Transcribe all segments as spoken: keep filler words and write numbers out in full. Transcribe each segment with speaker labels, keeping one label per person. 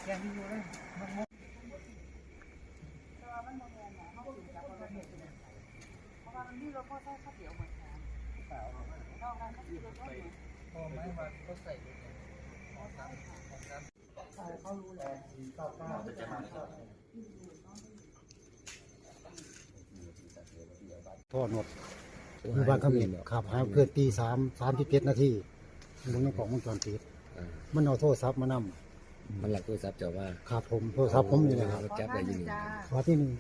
Speaker 1: แกที่อยู่เลยมันงงเพราะว่ามันมีรถพ่อใช้ข้าวเตี๋ยวเหมือนกันเราการข้าวเตี๋ยวรถพอไหมว่าก็ใส่เขารู้แล้ว
Speaker 2: พ่อหนดอยู่บ้านเขาเห็นขับหาเพื่อตีสามสามที่เจ็ดนาทีมึงในของวงจรปิดมันเอาโทรศัพท์มานำ
Speaker 3: มันหลักโทรศัพท์เจ้าว่า
Speaker 2: ขาดผมโทรศัพท์ผมนี่แหละครับ
Speaker 3: จับได้ยิน
Speaker 2: ว่าที่นี่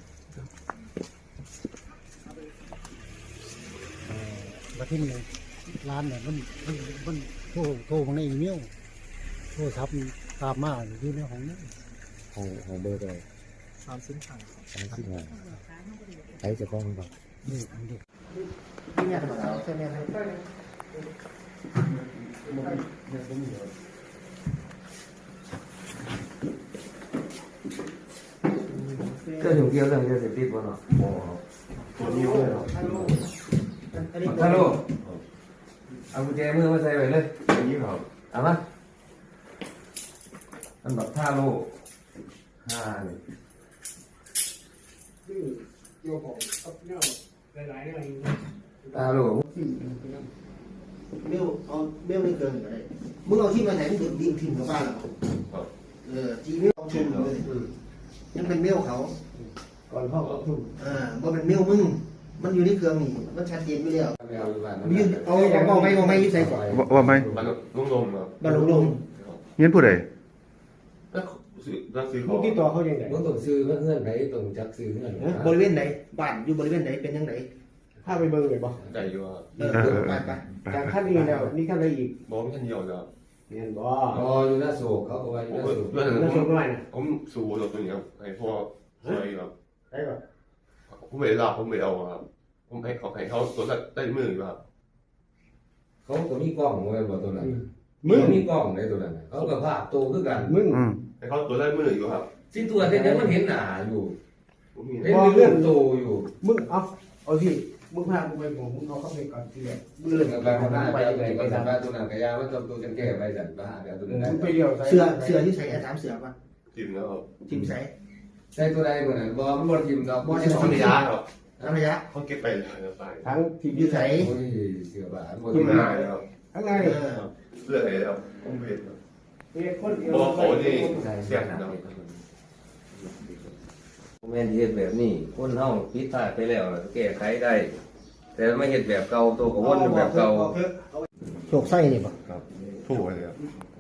Speaker 2: ว่าที่นี่ร้านเนี่ยมันมันมันโทรโทรมาในอีเมลโทรศัพท์ตามมาอยู่ในห้องนั้น
Speaker 3: ของของเบอร์ตัว
Speaker 1: สามสิบห้า
Speaker 3: สามสิบห้าใช้จะฟ้องหรือเปล่า
Speaker 2: นี่อันนี้
Speaker 1: เนี่ยใช่ไหมครับ
Speaker 3: เจ้าอยู่เกี่ยวเรื่องยาเสพติดบ่เนาะบ่ตัวนี้เลยเนาะฮัลโหลเอากุญแจมือมาใส่ไว้เลยอย่างนี้ครับเอามาอันแบบท่าโลห้านี่
Speaker 2: เกี่ยวของกับเน่าหลายๆอะไร
Speaker 3: ท่าโล
Speaker 4: เบลเอาเบลไม่เกินก็ได้มึงเอาที่มาไหนมึงดิ่งถิ่นกับบ้านเราเออจีเมลเอาชุมเลยยังเป็นเมลเขา
Speaker 2: ก่อนพ่อเอาชุม
Speaker 4: อ่าบ่เป็นเมลมึงมันอยู่ในเครื่องนี่มันชัดเจนไปแล้ว
Speaker 3: มี
Speaker 4: เอาเอาเอาไม่เอาไม่ยึดใส่ก่อน
Speaker 5: ว่าไหม
Speaker 6: บ้านลุงลมครับ
Speaker 4: บ้านลงลง
Speaker 5: เงี้ยผู้ใด
Speaker 6: แล้วซื้อแล้วซื้อข
Speaker 2: มึ
Speaker 6: อง ง
Speaker 2: ที่ตัวเขาอย่างไร
Speaker 3: มึงต้องซื้อเงื่อนไหนต้องจักซื้อเงื่อน
Speaker 4: บริเวณไหนบ้านอยู่บริเวณไหนเป็นยังไง
Speaker 2: ถ้าไปเบิ่งเลยบ่
Speaker 6: ใจอยู่ครับ
Speaker 4: เออไปไป
Speaker 2: จากขั้นนี้แล้วนี่ขั้นอะไรอีก
Speaker 6: บอกไม่ทันเดียวครับ
Speaker 2: เงี้ยบ่
Speaker 3: อ๋ออยู่หน้าโศกเขาก็ว่าอยู่หน้าโศก
Speaker 6: ด้วย
Speaker 2: แล้วชมด้วยนะ
Speaker 6: ผมสูบรถตัวนี้ครับให้พ่อช่วยครับ
Speaker 2: ได้ป่ะ
Speaker 6: ผมไม่ได้รับผมไม่เอาครับผมให้เขาให้เขาตัวละได้มือครับ
Speaker 3: เขาก็มีกล้องไว้บ่ตัวนั้นมึงมีกล้องในตัวนั้นเขาก็ภาพโตคือกัน
Speaker 2: มึง
Speaker 6: ให้เขาตัวได้มืออยู่ครับ
Speaker 3: สิตัวเนี้ยมันเห็นหน้าอยู่
Speaker 6: ผมมี
Speaker 3: เห็นเรื่องโตอยู่
Speaker 2: มึงเอาเอาสิมึงพากูไปบอกมึงเอาเข้าไปก่อนทีแรกมึงเลย
Speaker 3: กับการทำงานไปไปไปทำงานตัวนั้นก็ยามันต้องตัวกันแก้ไปสั่นบ้าเดี๋ยวตัวนั้น
Speaker 2: มึงไปเดียว
Speaker 4: เสือเสือที่ใส่แอร์สามเสือป่ะ
Speaker 6: จิมแล้วครับ
Speaker 4: จิ้มใส่
Speaker 3: ใส่ตัวใดเหมือนบ่มันบ่ทิมดอกบ่
Speaker 6: ไม่ใช่ของระยะครับ
Speaker 4: น้ำระยะ
Speaker 6: เขาเก็บไปเลยไป
Speaker 2: ทั้งทีม
Speaker 4: ยืดใส่
Speaker 3: โอ้ยเสือบาบ่
Speaker 6: ที่
Speaker 3: ทิม
Speaker 6: มาครับ
Speaker 2: ทั้งไง
Speaker 4: เออ
Speaker 6: เลือดอะไรครับผมเห็นครับ
Speaker 2: เป็นคนเดียว
Speaker 6: บอกเขานี่เสียงครับ
Speaker 3: แม่นเฮ็ดแบบนี้คนเฮาผิดพลาดไปแล้วแก้ไขได้แต่ไม่เฮ็ดแบบเก่าตัวก็วนแบบเก่า
Speaker 4: โชคไส้นี่ป่ะ
Speaker 6: ครับถูกเลยครับ